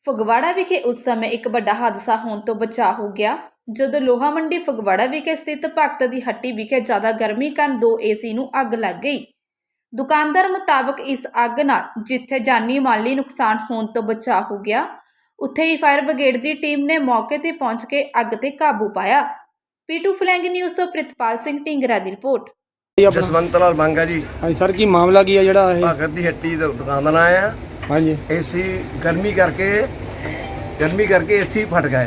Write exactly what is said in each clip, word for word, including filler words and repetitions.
ਫਗਵਾੜਾ ਵਿਖੇ ਉਸ ਸਮੇਂ ਇੱਕ ਵੱਡਾ ਹਾਦਸਾ ਹੋਣ ਤੋਂ ਬਚਾ ਹੋ ਗਿਆ ਜਦੋਂ ਲੋਹਾ ਮੰਡੀ ਫਗਵਾੜਾ ਵਿਖੇ ਸਥਿਤ ਭਗਤ ਦੀ ਹੱਟੀ ਵਿਖੇ ਜ਼ਿਆਦਾ ਗਰਮੀ ਕਾਰਨ ਦੋ ਏਸੀ ਨੂੰ ਅੱਗ ਲੱਗ ਗਈ। ਦੁਕਾਨਦਾਰ ਮੁਤਾਬਕ ਇਸ ਅੱਗ ਨਾਲ ਜਿੱਥੇ ਜਾਨੀ ਮਾਲੀ ਨੁਕਸਾਨ ਹੋਣ ਤੋਂ ਬਚਾ ਹੋ ਗਿਆ, ਉੱਥੇ ਹੀ ਫਾਇਰ ਬ੍ਰਿਗੇਡ ਦੀ ਟੀਮ ਨੇ ਮੌਕੇ ਤੇ ਪਹੁੰਚ ਕੇ ਅੱਗ ਤੇ ਕਾਬੂ ਪਾਇਆ। ਪੀਟੂ ਫਲੈਂਗ ਨਿਊਜ਼ ਤੋਂ ਪ੍ਰਿਤਪਾਲ ਸਿੰਘ ਢਿੰਗਰਾ ਦੀ ਰਿਪੋर्ट। जसवंत लाल मांगा जी। हाँ सर की मामला की है जड़ा है भगत दी हट्टी दुकान का नाम है। हाँ जी एसी गर्मी करके गर्मी करके एसी फट गए।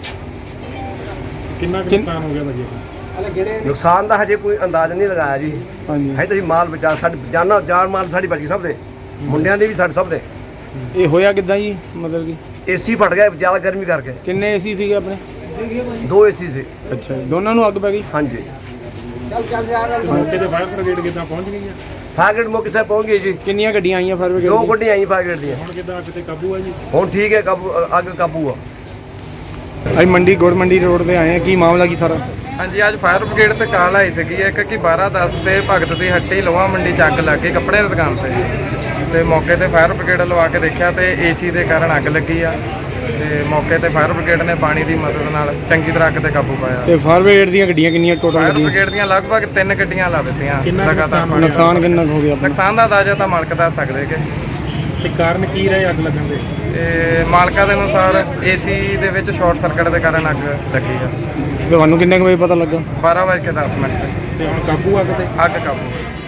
कितना नुकसान हो गया भाजी? नुकसान का हजे कोई अंदाज नहीं लगाया जी। हाँ जी है तो माल बचा साडी जाना जान माल साडी बच गई सब दे मुंडियां दे भी साडे सब दे। ये होया किदा जी मतलब कि एसी फट गए ज़्यादा गर्मी करके। किन्ने एसी थे अपने? दो एसी से। अच्छा दोनों नू अग पै गई? हाँ जी मौके ते फायर ब्रिगेड कितना पहुंच गई है? फायर ब्रिगेड मौके से पहुंच गई जी। किन्नियां गड्डियां आईयां फायर ब्रिगेड? दो गड्डियां आई फायर ब्रिगेड दी। हुण किदा अग ते काबू है जी? हुण ठीक है काबू अग काबू आ। अज मंडी गुड़ मंडी रोड पे आए हैं की मामला की सारा? हाँ जी अज फायर ब्रिगेड ते कॉल आई सी एक कि बारह दस ते भगत दी हट्टी लोहा मंडी च अग लग गई कपड़े दी दुकान ते ते मौके ते फायर ब्रिगेड लवा के देखा तो एसी के कारण अग लगी आ ते मौके ते फायर ब्रिगेड ने पानी की मदद नाल चंगी तरह अग ते काबू पाया। ते फायर ब्रिगेड दी गड्डियां किन्नियां टोटल? फायर गड्डियां ब्रिगेड दी लगभग तीन गड्डियां ला दित्तियां। नुकसान किन्ना हो गया अपना? नुकसान का अंदाजा तो मालक दस सकदे कि ते कारण की रहे अग लगन दे? ते मालका दे अनुसार एसी दे विच शॉर्ट सर्किट के कारण अग लगी आ। ਤੁਹਾਨੂੰ ਕਿੰਨੇ ਕੁ ਵਜੇ ਪਤਾ ਲੱਗਾ? बारह बज के दस मिनट ते हुण काबू अग ते? अग काबू।